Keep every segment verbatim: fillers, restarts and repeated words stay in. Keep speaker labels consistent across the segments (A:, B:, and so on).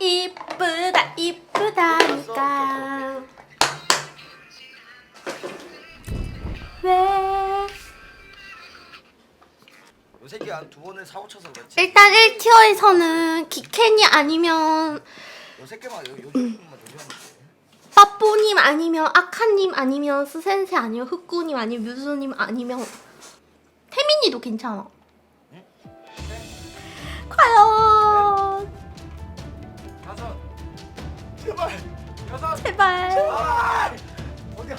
A: 이쁘다 이쁘다니까. 왜?
B: 이 새끼 한 두 번을 사고 쳐서 그렇지.
A: 일단 일 티어에서는 기캔이 아니면
B: 요 새끼만 요 요즘만 조심하면
A: 빠뽀님 아니면 아카님 아니면 스센세 아니면 흑구님 아니면 뮤수님 아니면 태민이도 괜찮아.
B: 응?
A: 과연
B: 다섯 제발 여섯
A: 제발.
B: 제발 어디야?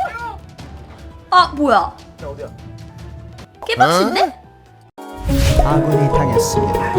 A: 아 뭐야?
B: 야 어디야?
A: 깨박신데?
C: 아군이 당했습니다.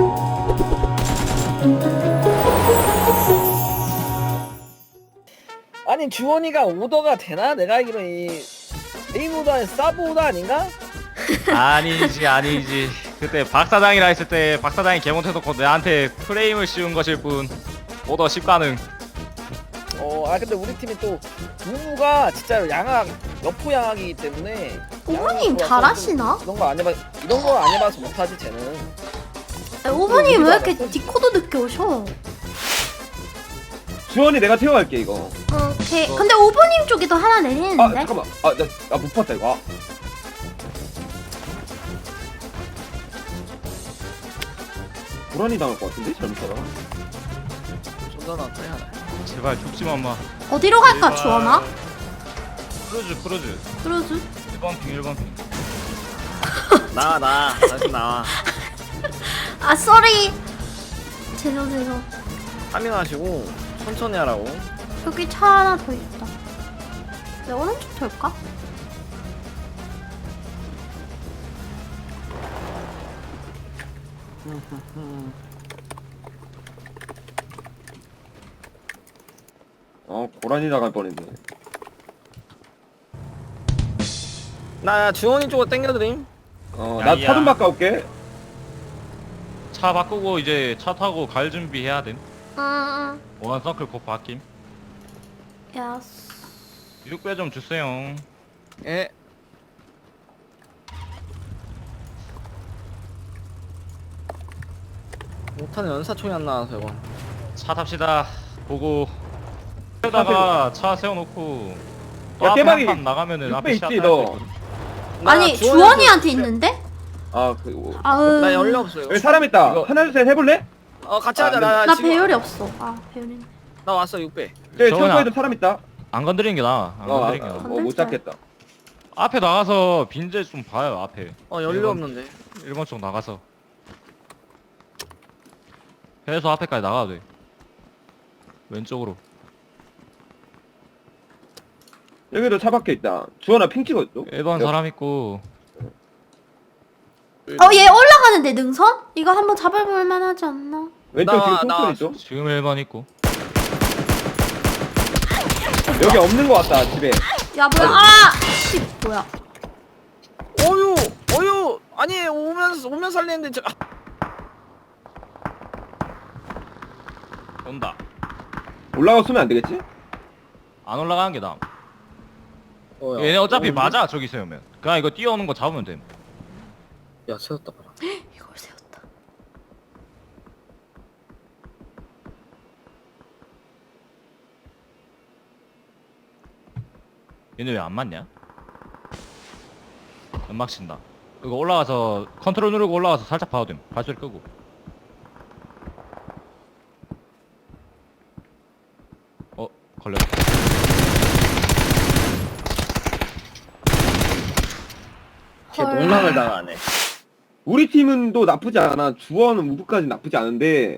D: 아니 주원이가 오더가 되나? 내가 알기로 이 메인 오더는 서브 오더 아닌가?
E: 아니지 아니지 그때 박사장이라 했을 때 박사장이 개못해놓고 내한테 프레임을 씌운 것일 뿐 오더 십 가능.
D: 어, 아 근데 우리 팀이 또 무무가 진짜로 양악 여포 양악이기 때문에
A: 오버님
D: 양악
A: 잘하시나?
D: 이런 거 안 해봐 이런 거 안 해봐서 못하지 쟤는.
A: 아, 오버님 왜 이렇게 디코도 늦게 오셔?
F: 주원이 내가 태워갈게 이거.
A: 오케이. 근데 오버님 쪽에도 하나
F: 아
A: 내리는데?
F: 잠깐만. 아나못 봤다 이거. 아. 불안이 당할 것 같은데 잘못 따라.
D: 존나 나타야.
E: 제발 죽지마 마.
A: 어디로 갈까
E: 제발.
A: 주원아?
E: 크루즈 크루즈
A: 그러지.
E: 일 번 핑 일 번 핑.
D: 나와 나 다시 나와.
A: 아 쏘리. 죄송 죄송.
D: 파밍하시고 천천히 하라고.
A: 여기 차 하나 더 있다. 내 오른쪽 돌까?
F: 어 고라니 나갈 뻔했네.
D: 나 주원이 쪽으로 땡겨드림.
F: 어나
E: 야이야.
F: 차 좀 바꿔올게.
E: 차 바꾸고 이제 차 타고 갈 준비해야 됨.
A: 응.
E: 원 서클 곧 바뀜.
A: 응. 야.
E: 육 배 좀 주세요.
D: 예. 못하는 연사총이 안 나와서 이거.
E: 차 탑시다. 보고 세우다가 차 세워놓고 또
F: 야,
E: 앞에
F: 깨박이
E: 한판 나가면은
F: 육 배
E: 앞에
F: 있지,
E: 시야 탈
F: 너?
E: 수 있거든.
D: 나
A: 아니
D: 주원이한테-
A: 주원이한테 있는데?
F: 아그
A: 아으.
D: 나 연료 없어요.
F: 여기 사람 있다.
D: 이거-
F: 하나 둘 셋 해볼래?
D: 어 같이
F: 아,
D: 하자.
F: 네.
D: 나,
A: 나
D: 지금
A: 배열이 없어. 아 배열이.
D: 나 왔어 육 배.
F: 저기
E: 저거나-
F: 창고에도 사람 있다.
E: 안 건드리는 게 나아. 안 건드리는 게 나아.
A: 아.
F: 어못 잡겠다.
E: 앞에 나가서 빈재 좀 봐요. 앞에
D: 어 연료
E: 일본-
D: 없는데.
E: 일 번 쪽 나가서 해서 앞에까지 나가도 돼. 왼쪽으로.
F: 여기도 차 밖에 있다. 주원아 핑 찍어줘.
E: 일 번
F: 여-
E: 사람 있고
A: 어 얘 올라가는데 능선? 이거 한번 잡아볼 만하지 않나?
F: 왼쪽
D: 나와,
F: 지금
D: 나와.
F: 총소리 있죠?
E: 지금 일 번 있고
F: 여기 없는 것 같다 집에.
A: 야 뭐야? 아! 씨 뭐야?
D: 어유 어유 아니 오면 오면 살리는데 저. 아,
E: 온다.
F: 올라가 쏘면 안 되겠지?
E: 안 올라가는 게 나아.
D: 어, 야.
E: 얘네 어차피
D: 어,
E: 맞아. 저기 세우면 그냥 이거 뛰어오는 거 잡으면 돼.
D: 야 세웠다 봐라.
A: 이걸 세웠다.
E: 얘네 왜 안 맞냐? 연막 친다. 이거 올라가서 컨트롤 누르고 올라가서 살짝 봐도 됨. 발소리 끄고. 어 걸렸다.
D: 걔
A: 헐.
D: 농락을 당하네.
F: 우리 팀은 또 나쁘지 않아. 주원은 우부까지 나쁘지 않은데.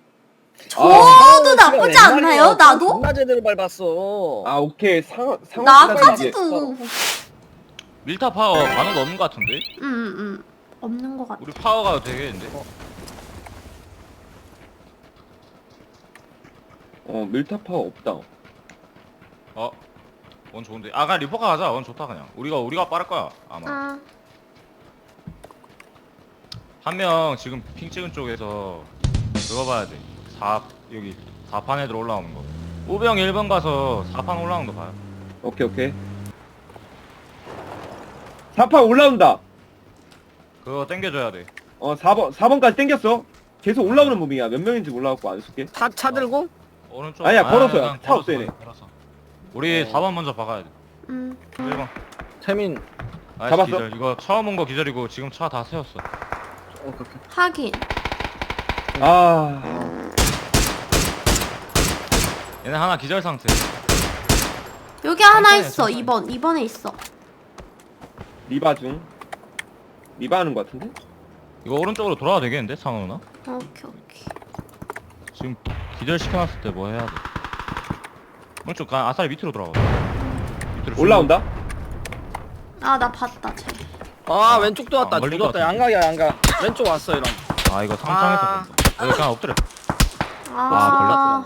A: 저도 나쁘지 않나요? 나도?
D: 존나 제대로 밟았어.
F: 아 오케이 상 상황
A: 나까지도.
E: 밀타 파워 반응 없는 것 같은데?
A: 응응 응. 없는 것 같아.
E: 우리 파워가 되겠는데?
F: 어 밀타 파워 없다.
E: 어? 원 좋은데? 아 그냥 리포카 가자. 원 좋다 그냥. 우리가 우리가 빠를 거야 아마.
A: 아
E: 한 명 지금 핑 찍은 쪽에서 그거 봐야 돼. 사 여기 사 판 애들 올라오는 거. 오병 일 번 가서 사 판 올라오는 거 봐요.
F: 오케이 오케이. 사 판 올라온다.
E: 그거 땡겨줘야 돼.
F: 어 사 번 사 번까지 땡겼어. 계속 올라오는 무빙이야. 몇 명인지 몰라갖고 안 쏠게.
D: 차, 차 들고?
E: 오른쪽.
F: 아니야, 걸어서야.
E: 그냥
F: 차 없어, 얘네.
E: 걸어서. 우리
D: 어.
E: 사 번 먼저 박아야 돼.
A: 음.
E: 일 번.
D: 태민.
E: 아이씨,
F: 잡았어?
E: 기절. 이거 처음 온 거 기절이고 지금 차 다 세웠어.
D: 어, 그렇게.
A: 하긴.
F: 아,
E: 얘네 하나 기절 상태.
A: 여기 하나
E: 천천히 해,
A: 있어.
E: 천천히.
A: 이 번. 이 번에 있어.
F: 리바 중. 리바 하는 거 같은데?
E: 이거 오른쪽으로 돌아야 되겠는데 상호 누나?
A: 오케이 오케이.
E: 지금 기절 시켜놨을 때 뭐 해야 돼? 오른쪽 가 아싸리 밑으로 돌아가. 밑으로
F: 올라온다?
A: 아 나 봤다 쟤.
D: 아, 왼쪽도 왔다.
E: 안 걸릴 것
D: 죽었다.
E: 같은데.
D: 양각이야, 양각. 왼쪽 왔어, 이런.
E: 쭉- 아 이거 상상해서
D: 아.
E: 본다. 여기 그냥 엎드려.
A: 아.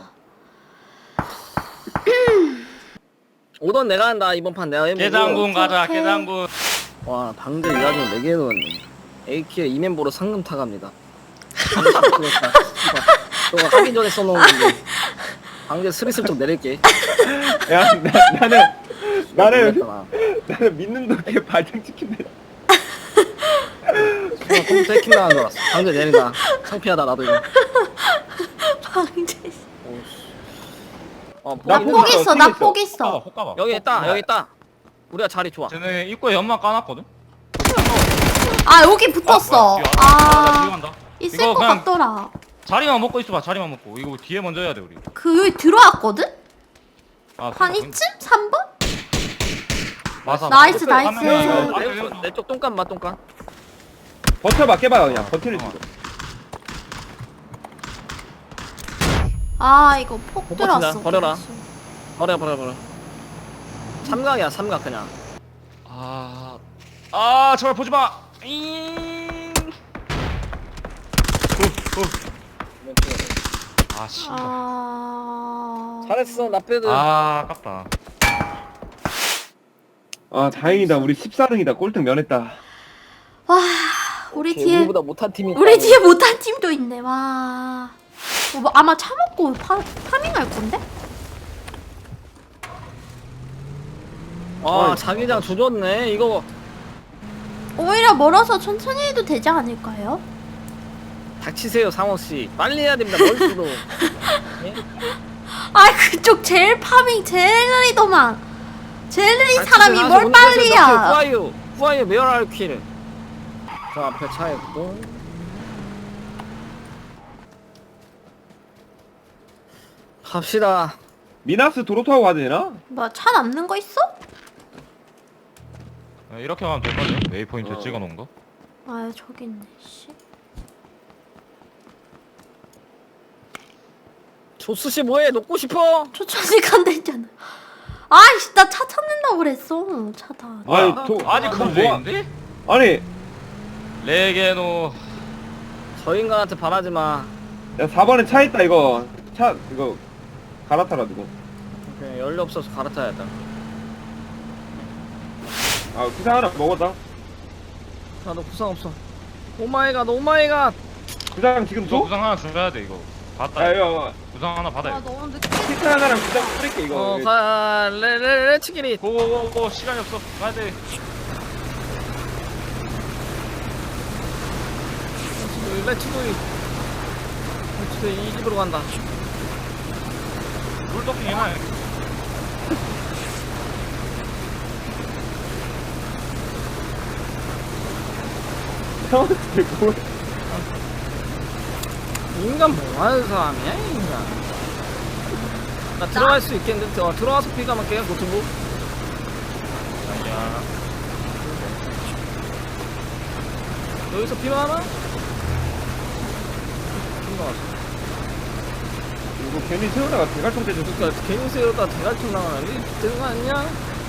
D: 오던 내가 한다. 이번 판 내가 해보고.
E: 깨장군 가자.
A: 오케이.
E: 깨장군.
D: 와, 방금 일라중 네 개 넣었네. 에이키에 이멤버로 상금 타갑니다. 너가 하기 전에 써놓은 건데. 방금 스리슬쩍 내릴게.
F: 야, 나, 나는, 나는,
D: 모르겠다,
F: 나는 믿는 덕에 발등찍힌다.
D: 나. 컴퓨터 해킹 나간 줄 알았어. 방금 내린다. 창피하다, 나도 이거.
A: 방제.
D: 어,
F: 나
A: 나
D: 보이는
A: 폭
F: 있어,
A: 있어.
F: 튀겨
A: 나
F: 있어.
A: 폭 있어.
E: 혹 가봐.
D: 여기 있다, 여기 있다. 우리가 자리 좋아.
E: 쟤네 입구에 연막 까놨거든.
A: 아 여기 붙었어.
E: 아, 뭐야, 뒤에 왔다. 나
A: 아
E: 뒤에 간다.
A: 있을
E: 이거
A: 것
E: 그냥
A: 같더라.
E: 자리만 먹고 있어봐. 자리만 먹고. 이거 뒤에 먼저 해야 돼 우리.
A: 그 여기 들어왔거든?
E: 아,
A: 한 이쯤? 삼 번?
E: 맞아.
A: 나이스,
E: 맞아.
A: 나이스.
E: 한 명이
D: 내,
E: 맞아,
D: 내,
E: 이거.
D: 내 쪽 똥간 맛 똥간.
F: 버텨봐, 깨봐요, 그냥. 버티는
E: 어.
F: 중.
A: 아 이거 폭
D: 못 버틴다.
A: 들어왔어.
D: 버려라. 버려 버려 버려. 삼각이야 삼각 그냥.
E: 아, 아 제발 보지 마. 잉. 후, 후. 아 씨. 아,
A: 아
D: 잘했어 나빼드.
E: 아 아깝다.
F: 아, 다행이다. 우리 십사 등이다. 꼴등 면했다.
A: 와 우리 뒤에
D: 우리보다 못한 팀이.
A: 우리
D: 있다고.
A: 뒤에 못한 팀도 있네. 와 어, 뭐, 아마 차 먹고 파, 파밍할 건데?
D: 아 자기장 조졌네 이거.
A: 오히려 멀어서 천천히 해도 되지 않을까요?
D: 닥치세요 상호 씨. 빨리 해야 됩니다 멀수도. 예?
A: 아 그쪽 제일 파밍 제일 느리더만. 제일 느린
D: 닥치세요,
A: 사람이
D: 상호 씨.
A: 뭘
D: 운전하세요.
A: 빨리야.
D: 후아유 후아유 메어랄 킬. 저 앞에 차 있고. 갑시다.
F: 미나스 도로 타고 가야 되나?
A: 뭐 차 남는 거 있어?
E: 네, 이렇게 하면 될걸요? 웨이포인트
F: 어.
E: 찍어놓은 거.
A: 아 저기 있네. 씨.
D: 조수 씨 뭐해? 녹고 싶어?
A: 초천이 간다 했잖아. 아이씨 나 차 찾는다고 그랬어. 차다.
F: 아니,
E: 뭐야?
F: 도,
E: 아직
F: 그럼
E: 그럼
F: 뭐야?
E: 있는데?
F: 아니,
E: 레게노.
D: 저 인간한테 바라지 마.
F: 야, 사 번에 차 있다, 이거. 차, 이거, 갈아타라, 누구.
D: 그냥 연료 없어서 갈아타야겠다.
F: 아, 구상 하나 먹었다.
D: 나도 구상 없어. 오마이갓 오마이갓.
F: 구상 지금
E: 저
F: 줘?
E: 구상 하나 줘야 돼 이거. 받다.
F: 야, 이거,
E: 구상 하나
A: 아
E: 받아요.
A: 너무 늦게.
F: 키트 하나랑 구상 뿌릴게, 이거.
D: 어, 가, 레, 레, 레츠기리.
E: 고고고고 시간이 없어. 가야 돼.
D: 레츠도이. 레츠도이, 이 집으로 간다.
E: 물떡king 해놔.
F: 형한테 뭘.
D: 인간 뭐 하는 사람이야, 이 인간. 나 들어갈 수 있겠는데, 어, 들어가서 피가면 그냥 노트북.
E: 아니야.
D: 여기서 피가 하나? 피가 왔어.
F: 이거 괜히 세우다가 대갈통 대줬어.
D: 그러니까 괜히 세우다 대갈통 나가는데 되는 거 아니냐?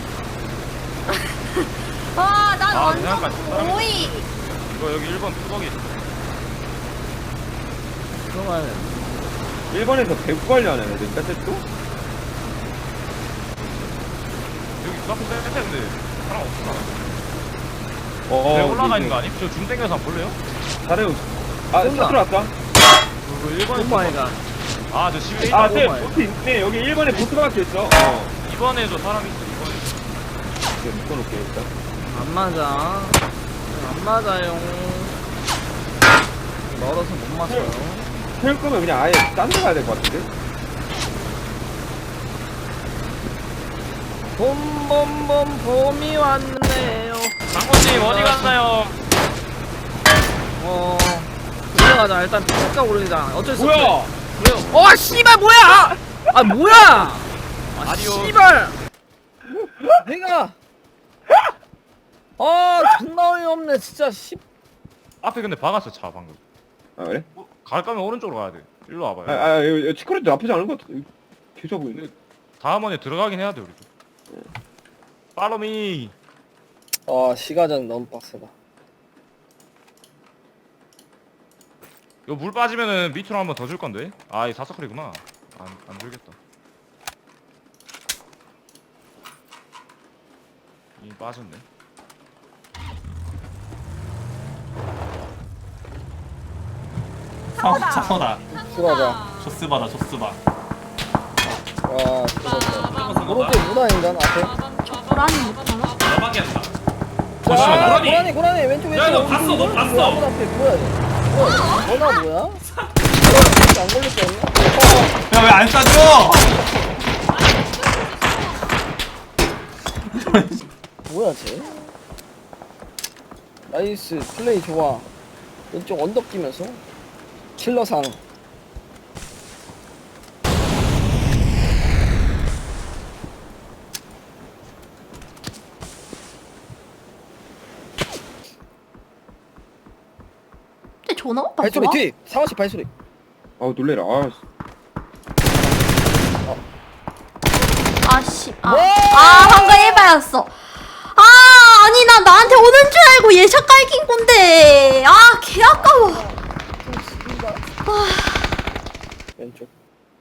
A: 와난
E: 아,
A: 완전
E: 그냥 같이
A: 오이.
E: 이거 여기 일 번 뚜벅이.
D: 그러면
F: 일 번에서 배구 관리하는 애들인가, 또?
E: 여기 카페 쎄쎄 근데 사람 없어.
F: 어,
E: 배 올라가 있는 거 아니? 저 줌 땡겨서 한번 볼래요?
F: 잘해요. 아,
D: 온다.
F: 차 들어왔다.
E: 그거 일 번에
D: 오마이갓.
E: 아, 저 십일
F: 아,
E: 번.
F: 네,
D: 오마이.
F: 보트 있네. 여기 일 번에 보트 박혀 있어. 어.
E: 이 번에도 사람 있어. 이 번에.
F: 이거 묶어놓을게, 일단.
D: 안 맞아. 안 맞아요. 멀어서 못 맞아요.
F: 태울 거면 그냥 아예 딴 데 가야 될 것 같은데?
D: 봄봄봄 봄이 왔네요.
E: 장모님 어디 갔나요?
D: 어 올라가자. 일단 피가 오르자. 어쩔 수 없어.
F: 뭐야?
D: 그래요. 어 씨발 뭐야? 아 뭐야? 아
E: 아니요.
D: 씨발. 내가 아 존나 어이없네 진짜 씨.
E: 앞에 근데 박았어 차 방금.
F: 아 그래?
E: 갈 거면 오른쪽으로 가야 돼. 일로
F: 아,
E: 와봐요.
F: 아 이거 치코레도 나쁘지 않은 것 같아. 개좋아 보이네.
E: 다음 원에 들어가긴 해야 돼 우리도. 팔로미.
D: 아 시가전 너무 빡세다.
E: 이거 물 빠지면은 밑으로 한번 더 줄 건데. 아, 이 사서클이구나. 안, 안 줄겠다. 이 빠졌네.
G: 상 차서다.
D: 들어가자.
G: 조스바다 조스바.
D: 와 들어갔다. 오른쪽 무단인가 앞에?
A: 고라니 못하나?
G: 대박이야.
D: 자,
G: 조심해, 고라니.
D: 고라니 고라니 왼쪽 왼쪽.
G: 야, 너 봤어, 너 봤어.
D: 문 앞에 뭐야 얘? 뭐야? 너나 뭐야? 너나 안 걸릴 거 없나?
G: 야 왜 안 쏴줘?
D: 뭐야 쟤? 나이스 플레이 좋아. 왼쪽 언덕 끼면서 킬러상.
A: 근데 전화가 오빠
D: 발소리
A: 좋아?
D: 뒤 상원씨 발소리.
F: 아 놀래라. 아
A: 아씨 아,
D: 와!
A: 아 방금 일바였어. 아 아니 나 나한테 오는 줄 알고 예샷 깔긴 건데 아 개 아까워.
D: 왼쪽.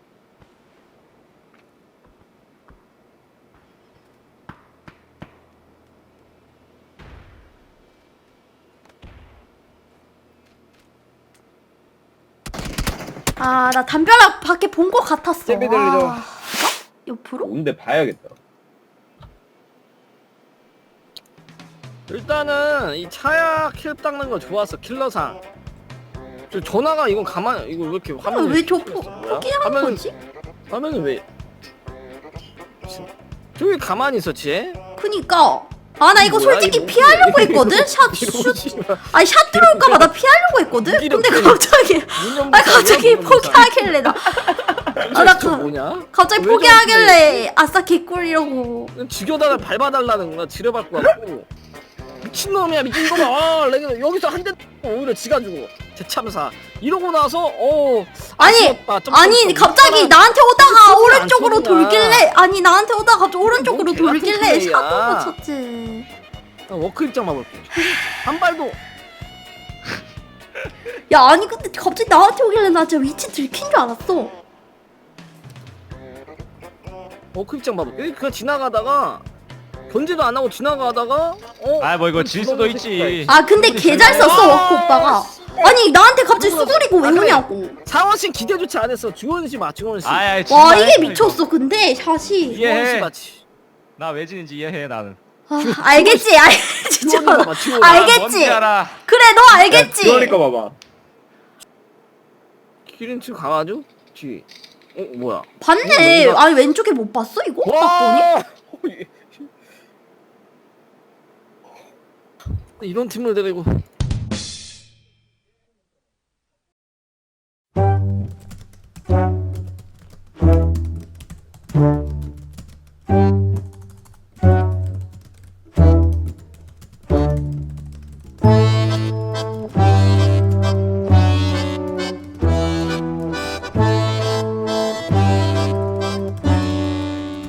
A: 아 나 담벼락 밖에 본 거 같았어.
D: 제비 들리죠?
A: 아, 어? 옆으로?
F: 온데 봐야겠다.
D: 일단은 이 차야 킬 닦는 거 좋았어 킬러상. 저 전화가 이거 가만 이거 왜 이렇게
A: 아,
D: 화면이
A: 왜저
D: 뭐야?
A: 포기하는
D: 화면은-
A: 거지?
D: 화면은 왜 저기 가만히 있었지?
A: 그니까 아 나 이거
D: 뭐야,
A: 솔직히
D: 이거?
A: 피하려고 했거든? 샷
D: 이러고
A: 슛.
D: 씨발.
A: 아니 샷 들어올까봐 나 피하려고 했거든?
D: 무기력
A: 근데
D: 때문에.
A: 갑자기
D: 문연부
A: 아 갑자기
D: 문연부
A: 포기하길래 나 아, 나
D: 저
A: 가-
D: 뭐냐?
A: 갑자기
D: 왜
A: 포기하길래 아싸 개꿀이라고.
D: 죽여다가 밟아달라는 거야 지려받고 왔고 미친놈이야 미친놈아 아, 내가 여기서 한 대 오히려 지가 주고 대참사 이러고 나서 어
A: 아니
D: 아쉬웠다. 좀
A: 아니
D: 좀
A: 갑자기
D: 좀
A: 나한테 오다가
D: 안
A: 오른쪽으로
D: 쏘냐.
A: 돌길래 아니 나한테 오다가 갑자기 오른쪽으로
D: 뭔 개 같은
A: 돌길래
D: 플레이야.
A: 샷도 못 쳤지.
D: 나 워크 입장만 볼게 한 발도
A: 야 아니 근데 갑자기 나한테 오길래 나 진짜 위치 들킨 줄 알았어.
D: 워크 입장만 볼게 그냥 지나가다가 견제도 안 하고 지나가다가 어
E: 아, 뭐 이거 질 수도 있지.
A: 아 근데 개 잘 썼어 워크 오빠가. 아니 나한테 갑자기 수그리고 왜
D: 아, 그래.
A: 오냐고.
D: 상원씨 기대조차 안 했어 주원씨 봐 주원씨
E: 아야,
A: 와 이게 미쳤어 근데 샷이.
E: 이해해.
D: 주원씨 맞지
E: 나왜 지는지 이해해 나는.
A: 아, 알겠지 알겠지
D: 주원이
A: 저
D: 봐봐 주원이
E: 아,
A: 알겠지.
E: 뭔지 알아.
A: 그래 너 알겠지.
F: 그러니까 봐봐.
D: 기린치 강아죠? 뒤 어 뭐야
A: 봤네.
D: 이거
A: 아니 왼쪽에 못 봤어 이거? 딱 보니?
D: 와 이런 팀을 데리고